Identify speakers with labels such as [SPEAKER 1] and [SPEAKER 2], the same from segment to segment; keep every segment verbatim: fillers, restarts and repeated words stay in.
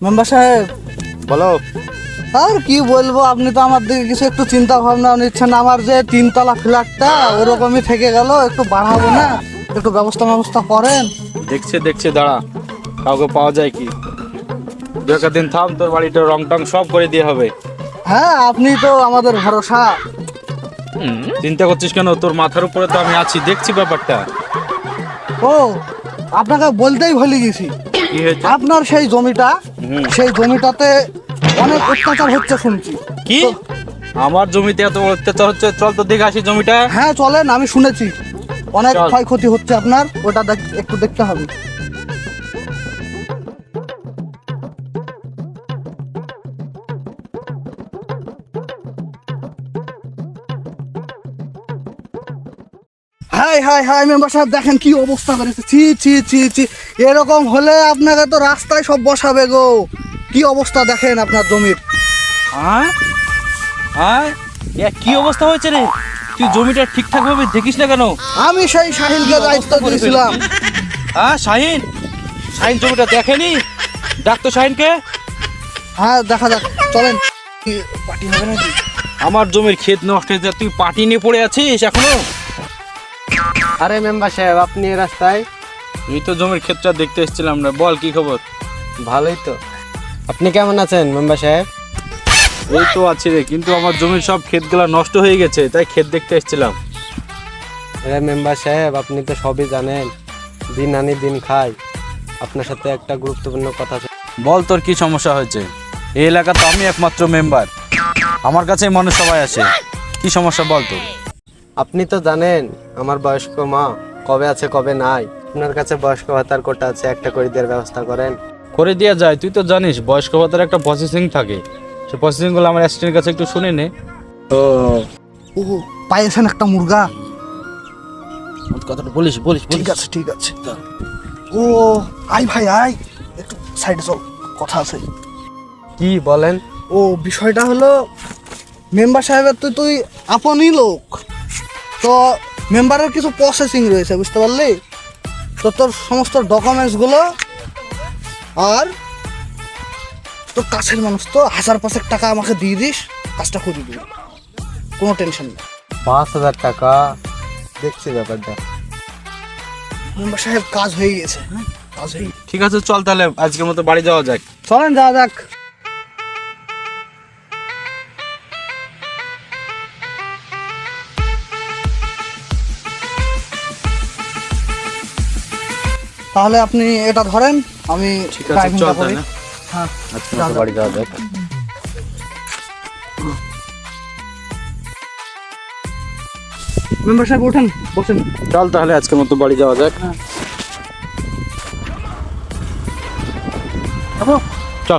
[SPEAKER 1] Member সাহেব
[SPEAKER 2] বলো।
[SPEAKER 1] আর কি বলবো, আপনি তো আমার দিকে কিছু একটু চিন্তা ভাবনা নিচ্ছেন। আমার যে তিনতলা ফ্ল্যাটটা ওরকমই থেকে গেল, একটু বাড়াবো না, একটু ব্যবস্থা ব্যবস্থা করেন।
[SPEAKER 2] দেখছে দেখছে দাঁড়া, কাউকে পাওয়া যায় কি? দু একটা দিন থাম, তোর বাড়িটা রং টং সব করে দিয়ে হবে।
[SPEAKER 1] হ্যাঁ, আপনি তো আমাদের ভরসা।
[SPEAKER 2] চিন্তা করছিস কেন? তোর মাথার উপরে তো আমি আছি, দেখছি ব্যাপারটা।
[SPEAKER 1] ও, আপনাকে বলতেই ভুলে গেছি,
[SPEAKER 2] কি হয়েছে?
[SPEAKER 1] আপনার সেই জমিটা,
[SPEAKER 2] হুম।
[SPEAKER 1] সেই জমিটাতে অনেক অত্যাচার হচ্ছে শুনছি।
[SPEAKER 2] কি? আমার জমিতে এত অত্যাচার হচ্ছে? চল তো দেখে আসি জমিটা।
[SPEAKER 1] হ্যাঁ চলেন, আমি শুনেছি অনেক
[SPEAKER 2] চল।
[SPEAKER 1] ক্ষয়ক্ষতি হচ্ছে আপনার, ওটা দেখ- একটু দেখতে হবে। হাই হাই হাই মেম্বার সাহেব, দেখেন কি অবস্থা করেছে। ছি ছি ছি ছি, এরকম হলে আপনাকে তো রাস্তায় সব বসাবে গো। কি অবস্থা দেখেন আপনার জমির।
[SPEAKER 2] হ্যাঁ হ্যাঁ, এ কি অবস্থা হয়েছে রে? তুই জমিটা ঠিকঠাক ভাবে দেখিস না কেন?
[SPEAKER 1] আমি সেই সাহিলকে দায়িত্ব দিয়েছিলাম।
[SPEAKER 2] হ্যাঁ শাহিন, শাহিন জমিটা দেখেনি? ডাক তো শাহিনকে।
[SPEAKER 1] হ্যাঁ দেখা যাক, চলেন। কি পার্টি হবে নাকি?
[SPEAKER 2] আমার জমির ক্ষেত নষ্ট হয়েছে, তুই পাটি নিয়ে পড়ে আছিস এখনো?
[SPEAKER 3] আরে মেম্বার সাহেব, আপনি এই রাস্তায়?
[SPEAKER 2] এই তো জমির ক্ষেতটা দেখতে এসেছিলাম না। বল কি খবর?
[SPEAKER 3] ভালোই তো। আপনি কেমন আছেন মেম্বার সাহেব?
[SPEAKER 2] এই তো আছি রে, কিন্তু আমার জমির সব ক্ষেতগুলা নষ্ট হয়ে গেছে, তাই ক্ষেত দেখতে এসেছিলাম।
[SPEAKER 3] আরে মেম্বার সাহেব, আপনি তো সবই জানেন, দিন আনি দিন খাই। আপনার সাথে একটা গুরুত্বপূর্ণ কথা আছে।
[SPEAKER 2] বল তোর কি সমস্যা হয়েছে? এই এলাকা তো আমি একমাত্র মেম্বার, আমার কাছেই মানুষ সবাই আসে। কি সমস্যা বল তোর?
[SPEAKER 3] আপনি তো জানেন আমার বয়স্ক মা কবে আছে কবে নাই। আপনার কাছে বয়স্ক ভাতার কোটা আছে, একটা করে দেওয়ার ব্যবস্থা করেন।
[SPEAKER 2] করে দেওয়া যায়, তুই তো জানিস বয়স্ক ভাতার একটা প্রসেসিং থাকে। সে প্রসেসিংগুলো আমার অ্যাসিস্ট্যান্টের কাছে একটু শুনে নে।
[SPEAKER 1] ও ও, পাইয়েছেন একটা মুরগা।
[SPEAKER 2] কথাটা বলিস বলিস
[SPEAKER 1] ঠিক আছে ঠিক আছে। ও আয় ভাই আয়, একটু সাইডে চল, কথা আছে।
[SPEAKER 3] কি বলেন?
[SPEAKER 1] ও বিষয়টা হলো, মেম্বার সাহেবের তো তুই আপনই লোক, তো মেম্বারের কিছু প্রসেসিং রয়েছে, বুঝতে পারলি? তো তোর সমস্ত ডকুমেন্টসগুলো আর তোর কাছের মানুষ তো হাজার পাঁচেক টাকা আমাকে দিয়ে দিস, কাজটা করে দিবি, কোনো টেনশন নেই।
[SPEAKER 3] পাঁচ হাজার টাকা? দেখছি ব্যাপারটা।
[SPEAKER 1] মেম্বার সাহেব কাজ হয়ে গেছে। হ্যাঁ কাজ হয়ে গেছে।
[SPEAKER 2] ঠিক আছে, চল তাহলে আজকের মতো বাড়ি যাওয়া যাক।
[SPEAKER 1] চলেন যাওয়া যাক। তাহলে আপনি এটা ধরেন, আমি
[SPEAKER 2] ঠিক আছে,
[SPEAKER 1] ড্রাইভিংটা
[SPEAKER 2] চল
[SPEAKER 1] করি।
[SPEAKER 2] তাহলে
[SPEAKER 1] হ্যাঁ
[SPEAKER 2] আজকের
[SPEAKER 1] যাওয়া
[SPEAKER 2] মতো
[SPEAKER 1] যাক।
[SPEAKER 2] বাড়ি যাওয়া যাক।
[SPEAKER 1] মেম্বার সাহেব ওঠেন, বসেন।
[SPEAKER 2] চল তাহলে আজকের মতো বাড়ি যাওয়া যাক।
[SPEAKER 1] দেখো,
[SPEAKER 2] চল।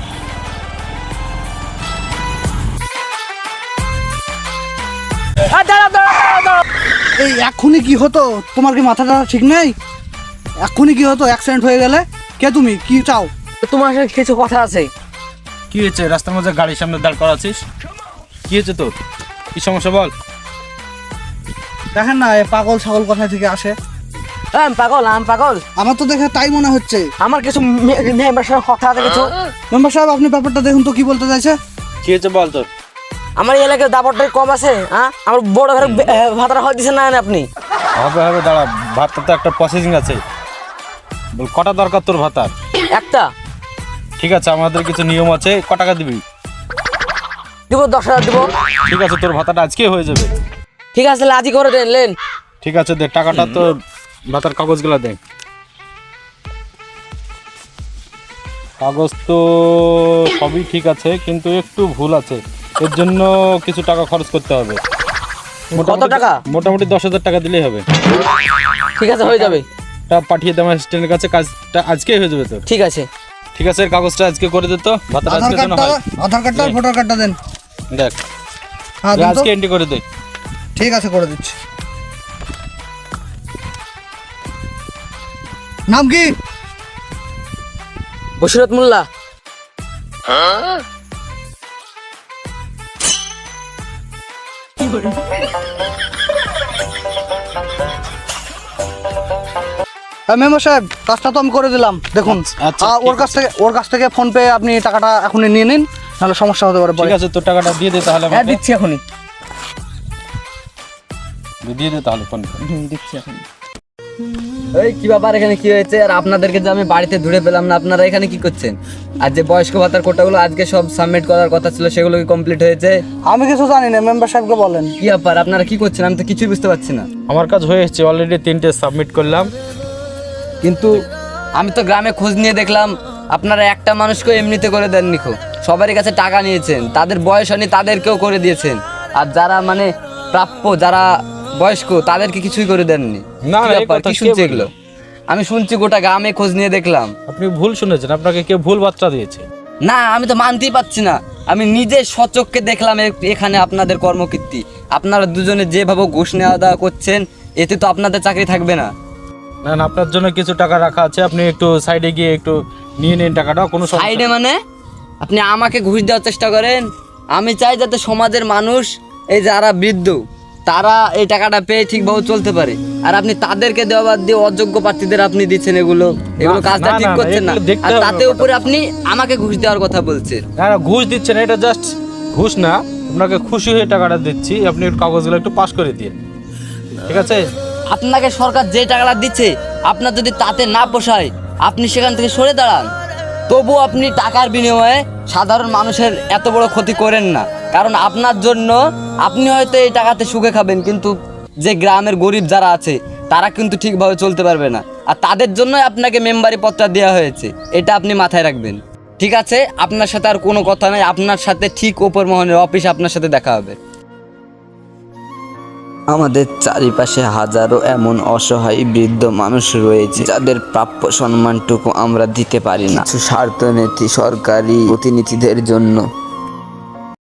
[SPEAKER 1] এই এক্ষুনি কি হতো? তোমার কি মাথাটা ঠিক নেই? এক্ষুনি কি হতো অ্যাক্সিডেন্ট হয়ে গেলে? কে তুমি, কি চাও?
[SPEAKER 4] তোমার সাথে কিছু কথা আছে।
[SPEAKER 2] কি হয়েছে? রাস্তার মধ্যে গাড়ির সামনে দাঁড় করাছিস, কি হয়েছে তোর? কি সমস্যা বল?
[SPEAKER 1] দেখেন না, এ পাগল ছাগল কোথা থেকে আসে।
[SPEAKER 4] আম পাগল, আম পাগল।
[SPEAKER 1] আমার তো দেখে তাই মনে হচ্ছে।
[SPEAKER 4] আমার কিছু মেম্বার সাথে কথা আছে কিছু।
[SPEAKER 1] মেম্বার সাহেব আপনি ব্যাপারটা দেখুন তো, কি বলতে চাইছে।
[SPEAKER 2] কি হয়েছে বল তোর?
[SPEAKER 4] আমার এই এলাকায় দাবরটাই কম আছে। হ্যাঁ, আমার বড় ঘরে ভাতারা হয় দিচ্ছেন না আপনি।
[SPEAKER 2] হবে হবে, দাঁড়া, ভাতটা তো একটা প্রসেসিং আছে। বল কটা দরকার তোর ভাতার?
[SPEAKER 4] একটা
[SPEAKER 2] ঠিক আছে, আমাদের কিছু নিয়ম আছে। ক টাকা দিবি?
[SPEAKER 4] দিব, দশ হাজার দিব।
[SPEAKER 2] ঠিক আছে, তোর ভাতাটা আজকেই হয়ে যাবে।
[SPEAKER 4] ঠিক আছে, আজই করে দেন, লেন।
[SPEAKER 2] ঠিক আছে, দে টাকাটা, তো ভাতার কাগজগুলো দে। কাগজ তো সবই ঠিক আছে, কিন্তু একটু ভুল আছে, এর জন্য কিছু টাকা খরচ করতে হবে।
[SPEAKER 4] কত টাকা?
[SPEAKER 2] মোটামুটি দশ হাজার টাকা দিলেই হবে।
[SPEAKER 4] ঠিক আছে, হয়ে যাবে।
[SPEAKER 2] টা পাঠিয়ে দে আমার অ্যাসিস্ট্যান্টের কাছে, কাজটা আজকেই হয়ে যাবে তোর।
[SPEAKER 4] ঠিক আছে
[SPEAKER 2] ঠিক আছে, এর কাগজটা আজকে করে দে তো, ভাতাটা
[SPEAKER 1] আধার
[SPEAKER 2] আজকে যেন
[SPEAKER 1] কার্ডটা,
[SPEAKER 2] হয়।
[SPEAKER 1] আধার কার্ডটা আর ভোটার কার্ডটা দেন।
[SPEAKER 2] দেখ,
[SPEAKER 1] হ্যাঁ দিন তো।
[SPEAKER 2] আজকে এন্ট্রি করে দে।
[SPEAKER 1] ঠিক আছে, করে দিচ্ছি। নাম কি?
[SPEAKER 4] বশিরত মোল্লা।
[SPEAKER 1] মেম্বার সাহেব কাজটা তো আমি করে দিলাম, দেখুন।
[SPEAKER 2] আচ্ছা,
[SPEAKER 1] আহ, ওর
[SPEAKER 2] ঠিক
[SPEAKER 1] কাছ থেকে ওর কাছ থেকে ফোন পে আপনি টাকাটা এখনই নিয়ে নিন, নাহলে সমস্যা হতে পারে পরে।
[SPEAKER 2] ঠিক আছে, তোর টাকাটা দিয়ে দে তাহলে
[SPEAKER 4] হ্যাঁ
[SPEAKER 2] আমাকে।
[SPEAKER 4] দিচ্ছি এখনই।
[SPEAKER 2] দিয়ে দে তাহলে ফোন করে।
[SPEAKER 4] হুম, দিচ্ছি এখন। এই কি ব্যাপার, এখানে কি হয়েছে? আর আপনাদেরকে যে আমি বাড়িতে ধরে পেলাম না, আপনারা এখানে কি করছেন? আর যে বয়স্ক ভাতার কোটাগুলো আজকে সব সাবমিট করার কথা ছিল, সেগুলো কি কমপ্লিট হয়েছে?
[SPEAKER 1] আমি কিছু জানি না, মেম্বার সাহেবকে বলেন।
[SPEAKER 4] কি ব্যাপার, আপনারা কি করছেন? আমি তো কিছুই বুঝতে পারছি না।
[SPEAKER 2] আমার কাজ হয়ে এসেছে, অলরেডি তিনটে সাবমিট করলাম।
[SPEAKER 4] কিন্তু আমি তো গ্রামে খোঁজ নিয়ে দেখলাম আপনারা একটা মানুষকে এমনিতে করে দেননি, খো সবারই কাছে টাকা নিয়েছেন, তাদের বয়স হয়নি তাদেরকেও করে দিয়েছেন, আর যারা মানে প্রাপ্য, যারা বয়স্ক, তাদেরকে কিছুই করে দেননি।
[SPEAKER 2] না,
[SPEAKER 4] কি
[SPEAKER 2] না, এই
[SPEAKER 4] ব্যাপার,
[SPEAKER 2] কথা
[SPEAKER 4] কি
[SPEAKER 2] কে
[SPEAKER 4] শুনছি
[SPEAKER 2] বললো?
[SPEAKER 4] এগুলো? আমি শুনছি, গোটা গ্রামে খোঁজ নিয়ে দেখলাম।
[SPEAKER 2] আপনি ভুল শুনেছেন, আপনাকে কেউ ভুল বার্তা দিয়েছে।
[SPEAKER 4] না, আমি তো মানতেই পারছি না। আমি নিজে সচক্ষে দেখলাম এ- এখানে আপনাদের কর্মকীর্তি। আপনারা দুজনে যেভাবে ঘুষ নেওয়া দেওয়া করছেন, এতে তো আপনাদের চাকরি থাকবে না।
[SPEAKER 2] না না, আপনার জন্য কিছু টাকা রাখা আছে, আপনি একটু সাইডে গিয়ে একটু নিয়ে নিন টাকাটা, কোনো সমস্যা
[SPEAKER 4] সাইডে
[SPEAKER 2] নেই।
[SPEAKER 4] মানে আপনি আমাকে ঘুষ দেওয়ার চেষ্টা করেন? আমি চাই যাতে সমাজের মানুষ, এই যারা বৃদ্ধ, তারা এই টাকাটা পেয়ে ঠিকভাবে চলতে পারে, আর আপনি তাদেরকে দেওয়া বাদ দিয়ে অযোগ্য প্রার্থীদের আপনি দিচ্ছেন এগুলো এগুলো
[SPEAKER 2] না,
[SPEAKER 4] কাজটা
[SPEAKER 2] না,
[SPEAKER 4] ঠিক
[SPEAKER 2] না,
[SPEAKER 4] করছেন না।
[SPEAKER 2] এগুলো দেখতে
[SPEAKER 4] আর
[SPEAKER 2] হবে
[SPEAKER 4] তাতে
[SPEAKER 2] ব্যাপারটা।
[SPEAKER 4] উপরে আপনি আমাকে ঘুষ দেওয়ার কথা বলছেন।
[SPEAKER 2] না না, ঘুষ দিচ্ছেন, এটা জাস্ট ঘুষ না, আপনাকে খুশি হয়ে টাকাটা দিচ্ছি, আপনি একটু কাগজগুলো একটু পাস করে দিন, ঠিক আছে?
[SPEAKER 4] আপনাকে সরকার যে টাকাটা দিচ্ছে, আপনার যদি তাতে না পোষায়, আপনি সেখান থেকে সরে দাঁড়ান। তবু আপনি টাকার বিনিময়ে সাধারণ মানুষের এত বড় ক্ষতি করেন না, কারণ আপনার জন্য আপনি হয়তো এই টাকাতে সুখে খাবেন, কিন্তু যে গ্রামের গরিব যারা আছে, তারা কিন্তু ঠিকভাবে চলতে পারবে না, আর তাদের জন্যই আপনাকে মেম্বারি পদটা দেওয়া হয়েছে। এটা আপনি মাথায় রাখবেন, ঠিক আছে? আপনার সাথে আর কোনো কথা নাই, আপনার সাথে ঠিক ওপর মহলের অফিসে আপনার সাথে দেখা হবে।
[SPEAKER 5] আমাদের চারিপাশে হাজারো এমন অসহায় বৃদ্ধ মানুষ রয়েছে যাদের প্রাপ্য সম্মানটুকু আমরা দিতে পারি না, কিছু স্বার্থনীতি সরকারি প্রতিনিধিদের জন্য।